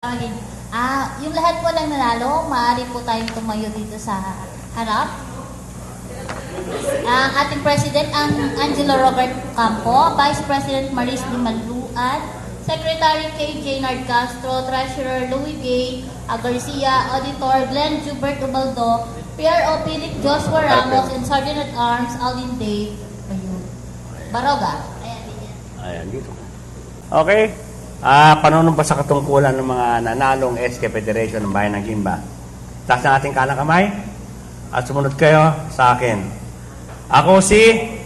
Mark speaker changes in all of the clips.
Speaker 1: Yung lahat po ng nanalo, maaari po tayong tumayo dito sa harap. Ang ating President, ang Angelo Robert Campo, Vice President Maris D. Manluan, Secretary K. Jaynard Castro, Treasurer Louis Gay Garcia, Auditor Glenn Jubert Ubaldo, PRO Philip Joshua Ramos, and Sergeant at Arms Alvin Dave Baroga.
Speaker 2: Ayan, dito. Okay. Panunumpa sa katungkulan ng mga nanalong SK Federation ng Bayan ng Gimba. Taas ng ating kanang kamay at sumunod kayo sa akin. Ako si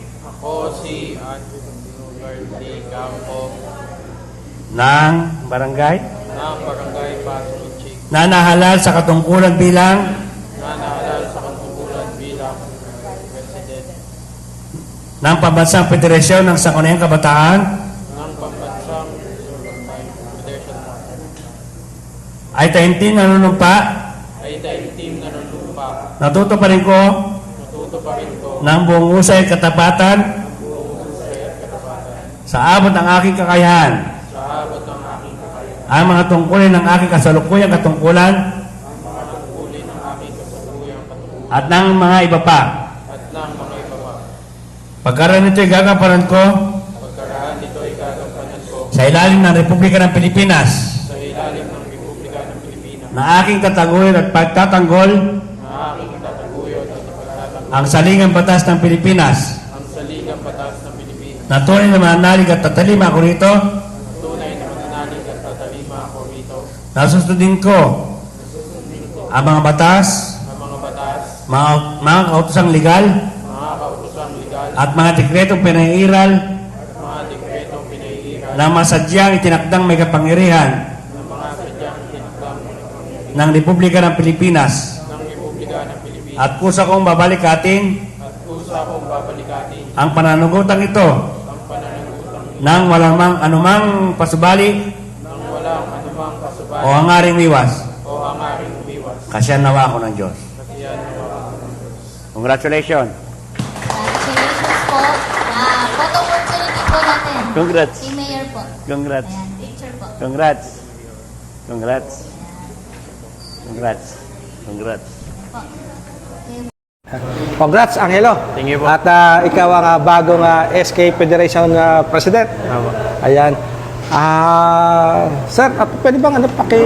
Speaker 3: Angelo Gardi Campo
Speaker 2: ng Barangay
Speaker 3: Pasig,
Speaker 2: na sa katungkulan bilang
Speaker 3: President
Speaker 2: ng Pambansang Federasyon ng Sangguniang Kabataan
Speaker 3: ng Pambansang Federation
Speaker 2: ay taimtim nanunumpa natuto pa rin ko ng buong husay at katapatan sa abot ng aking kakayahan ang mga tungkulin ng aking kasalukuyang katungkulan at ng mga iba pa. Pagkaraan nito'y gagampanan ko sa ilalim ng Republika ng Pilipinas na aking tataguyod at pagtatanggol ang saligang batas ng Pilipinas na tunay na mananalig at tatalima ako rito na susundin ko ang mga batas, mga kautosang legal at mga dekretong pinairal na masadyang itinakdang may kapangyarihan ng Republika ng Pilipinas at kusa kong babalikatin ang pananugutang ito nang walang anumang pasubali o hangaring wiwas. Kasyan nawa ako ng Diyos. Congratulations.
Speaker 1: Congratulations po. Photo opportunity po natin.
Speaker 2: Congrats.
Speaker 1: Si Mayor po.
Speaker 2: Congrats.
Speaker 1: Ayan, picture po.
Speaker 2: Congrats. Congrats. Congrats. Congrats.
Speaker 4: Congrats, Angelo.
Speaker 3: Thank you po.
Speaker 4: At ikaw ang bagong SK Federation President. Ayan. Sir, pwede bang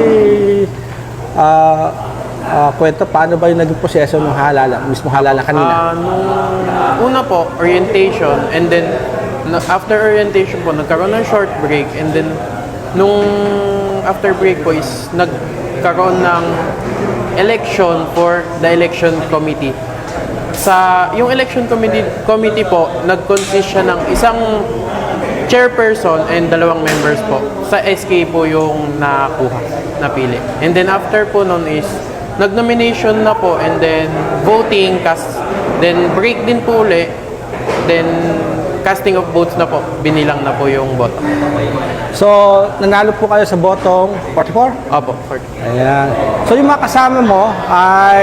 Speaker 4: kwento paano ba yung naging proseso ng mismo halala kanina?
Speaker 3: Nung una po, orientation, and then after orientation po, nagkaroon ng short break, and then nung after break po is nagkaroon ng election for the election committee. Yung election committee po, nag-consist siya ng isang chairperson and 2 members po. Sa SK po yung napili. And then after po nun is nag-nomination na po, and then voting, then break din po uli, then casting of votes na po, binilang na po yung boto.
Speaker 4: So, nanalo po kayo sa botong 44?
Speaker 3: Opo, 40.
Speaker 4: Ayan. So, yung mga kasama mo ay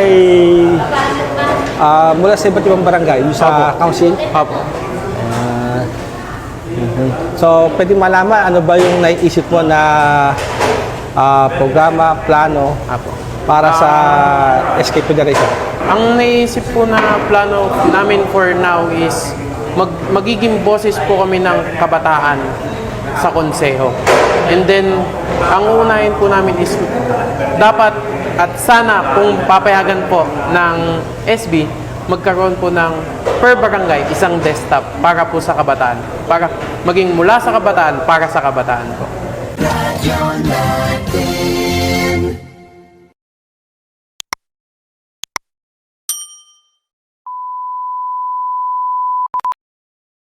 Speaker 4: mula sa iba't ibang barangay, yung sa council?
Speaker 3: Opo.
Speaker 4: So, pwede malaman ano ba yung naiisip mo na programa, plano para sa SK Federation?
Speaker 3: Ang naisip po na plano namin for now is magiging boses po kami ng kabataan sa konseho. And then, ang unahin po namin is dapat at sana kung papayagan po ng SB, magkaroon po ng per barangay isang desktop para po sa kabataan. Para maging mula sa kabataan para sa kabataan po.